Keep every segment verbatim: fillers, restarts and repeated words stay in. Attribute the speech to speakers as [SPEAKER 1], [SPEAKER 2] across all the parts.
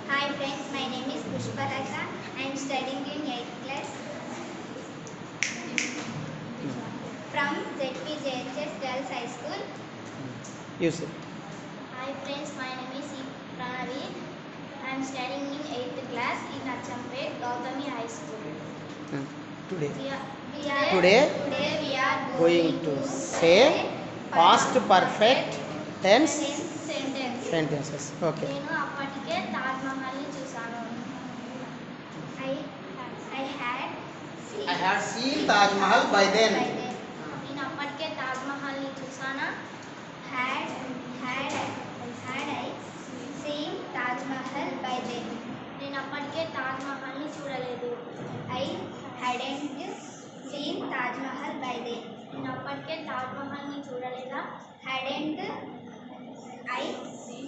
[SPEAKER 1] Hi friends, my name is Pushpalata. I am studying in eighth class from Z P J H S Girls High School.
[SPEAKER 2] You say.
[SPEAKER 1] Hi friends, my name is E. Pranavi. I am studying in eighth class in Achampet, Gautami High School.
[SPEAKER 2] Hmm. Today.
[SPEAKER 1] We are, we are,
[SPEAKER 2] Today
[SPEAKER 1] today we are
[SPEAKER 2] going to say past perfect tense
[SPEAKER 1] sentence.
[SPEAKER 2] sentences. Okay.
[SPEAKER 1] నేను అప్పటికే తాజ్ మహల్ని చూశాను. I I had seen
[SPEAKER 2] I had seen Taj Mahal by then.
[SPEAKER 1] నేను అప్పటికే Taj మహల్ని చూసానా. Had had had I seen Taj Mahal by then. నేను అప్పటికే తాజ్ మహల్ని చూడలేదు. I hadn't seen Taj Mahal by then. నేను అప్పటికే తాజ్ మహల్ని చూడలేదా. Hadn't I seen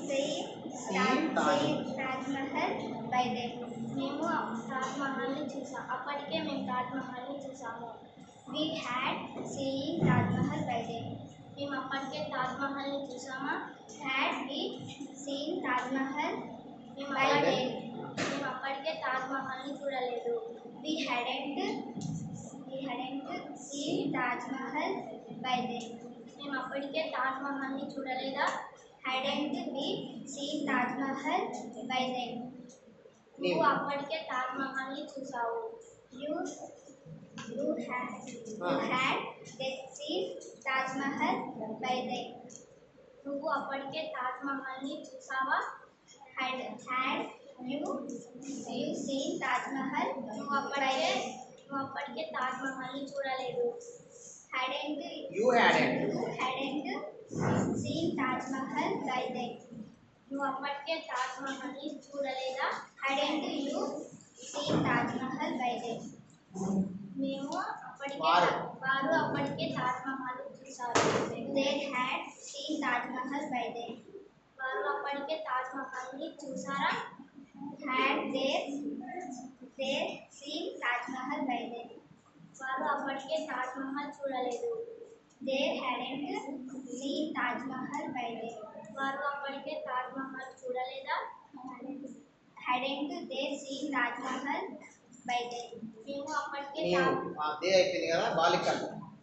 [SPEAKER 1] Taj Mahal by then. మేము తాజ్ మహల్ని చూసాం అప్పటికే మేము తాజ్ మహల్ని చూసాము. We had seen Taj Mahal by then. మేము అప్పటికే తాజ్ మహల్ని చూసామా. Had we seen Taj Mahal by then. మేము అప్పటికే తాజ్ మహల్ని చూడలేదు. We hadn't we hadn't seen Taj Mahal by then. మేము అప్పటికే తాజ్ మహల్ని చూడలేదా. Hadn't we seen Taj Mahal by then. నువ్వు అప్పటికే తాజ్ మహల్ని చూసావు. You you had you had seen Taj Mahal by then. నువ్వు అప్పటికే తాజ్ మహల్ని చూసావా. Had had you you seen Taj Mahal. నువ్వు అప్పటికే నువ్వు అప్పటికే తాజ్ మహల్ని చూడలేదు. Hadn't
[SPEAKER 2] You hadn't.
[SPEAKER 1] you hadn't seen Taj Mahal by then. నువ్వు అప్పటికే తాజ్ మహల్ని చూడలేదా. Hadn't you seen Taj Mahal by then. మేము అప్పటికే
[SPEAKER 2] వారు.
[SPEAKER 1] వారు అప్పటికే తాజ్ మహల్ చూసారు. They had seen Taj Mahal by then. వారు అప్పటికే తాజ్ మహల్ని చూసారా. Had they they seen Taj Mahal by then. వారు అప్పటికే తాజ్ మహల్ చూడలేదు. They hadn't seen Taj Mahal by then. వారు అప్పటికే తాజ్ మహల్ చూడలేదా. Hadn't they seen Taj Mahal by then. మేము అప్పటికే
[SPEAKER 2] నీవు
[SPEAKER 1] తాజ్
[SPEAKER 2] ఆ దే అయిపోయింది కదా బాలికలు.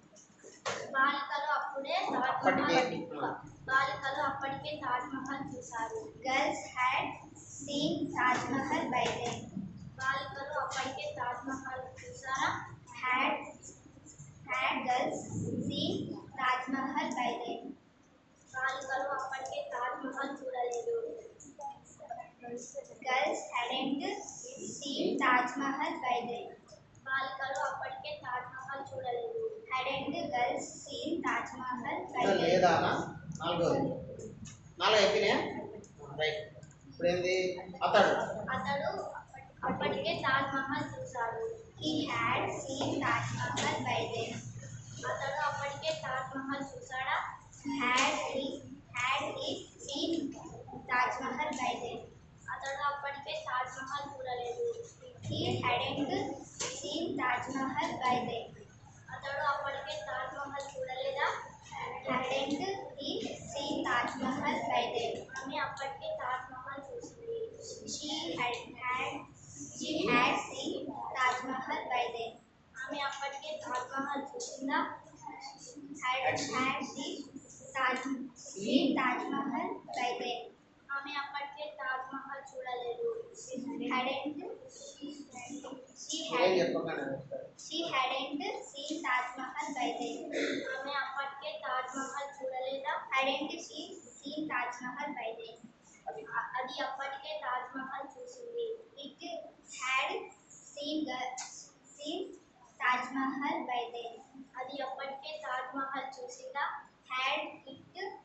[SPEAKER 1] బాలికలు అప్పుడే తాజ్
[SPEAKER 2] అప్పటికే.
[SPEAKER 1] మహల్ బాలికలు అప్పటికే తాజ్ మహల్ చూశారు. Girls had seen Taj Mahal by then. బాలికలు అప్పటికే తాజ్ మహల్ చూసారా. Had had girls seen Taj Mahal by then. బాలికలు అప్పటికే తాజ్ మహల్ చూడలేదు. Girls hadn't seen Taj Mahal by then. బాలికలు అప్పటికే తాజ్ మహల్ చూడలేదు. Hadn't girls seen Taj Mahal by then.
[SPEAKER 2] లేదా నాలుగోది నాలుగు అయిపోయినాయా రైట్. ఇప్పుడు ఏంది అతడు
[SPEAKER 1] అతడు అప్పటికే తాజ్ మహల్ చూశాడు. He had seen Taj Mahal by then. అతడు అప్పటికే Taj Mahal చూశాడా. Had he had he seen Taj Mahal by then. అతడు అప్పటికే తాజ్ మహల్ చూడలేదు. He hadn't seen Taj Mahal by then. అతడు అప్పటికే తాజ్ మహల్ చూడలేదా. Hadn't he seen Taj Mahal by then. ఆమె అప్పటికే తాజ్ మహల్ చూసింది. She had had she had seen Taj Mahal by then. ఆమె అప్పటికే తాజ్ మహల్ చూసిందా. Had had she Taj seen Taj Mahal by then. ఆమె అప్పటికే తాజ్ మహల్ చూడలేదు. Hadn't she
[SPEAKER 2] ఏం
[SPEAKER 1] had
[SPEAKER 2] చెప్పకుండా
[SPEAKER 1] she hadn't seen Taj Mahal by then. ఆమె అప్పటికే తాజ్ మహల్ చూడలేదా. Hadn't she seen Taj Mahal by then. అ- అది అప్పటికే తాజ్ మహల్ చూసింది. It had seen the seen Taj Mahal by then. అది అప్పటికే తాజ్ మహల్ చూసిందా. Had it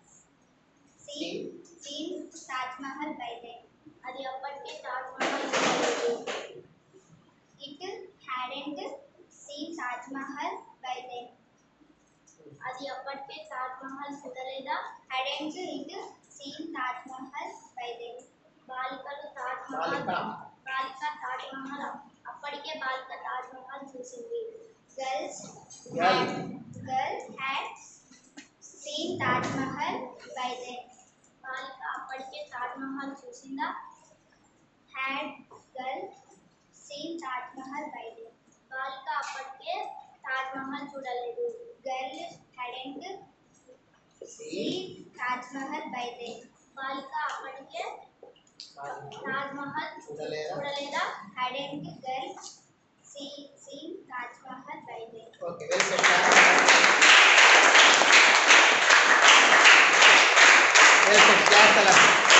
[SPEAKER 1] seen seen Taj Mahal by then. అది అప్పటికే తాజ్ మహల్ చూడలేదు. It hadn't seen Taj Mahal by then. అది అప్పటికే తాజ్ మహల్ చూడలేదా. Hadn't it seen Taj Mahal by then. బాలికలు తాజ్ మహల్
[SPEAKER 2] బాలిక.
[SPEAKER 1] బాలిక తాజ్ మహల్ అప్- అప్పటికే బాలిక తాజ్ మహల్ చూసింది. Girls
[SPEAKER 2] Girl.
[SPEAKER 1] had girls had seen Taj Mahal by then. బాలిక అప్పటికే తాజ్ మహల్ చూసిందా. Had girl seen Taj Mahal by day బాలిక అప్పటికే తాజ్ మహల్ చూడలేదు. Girl hadn't seen Taj Mahal by day బాలిక అప్పటికే తాజ్ మహల్
[SPEAKER 2] చూడలేదా?
[SPEAKER 1] చూడలేదా. Hadn't girl see seen Taj Mahal by day.
[SPEAKER 2] Okay very good. Very good class అలా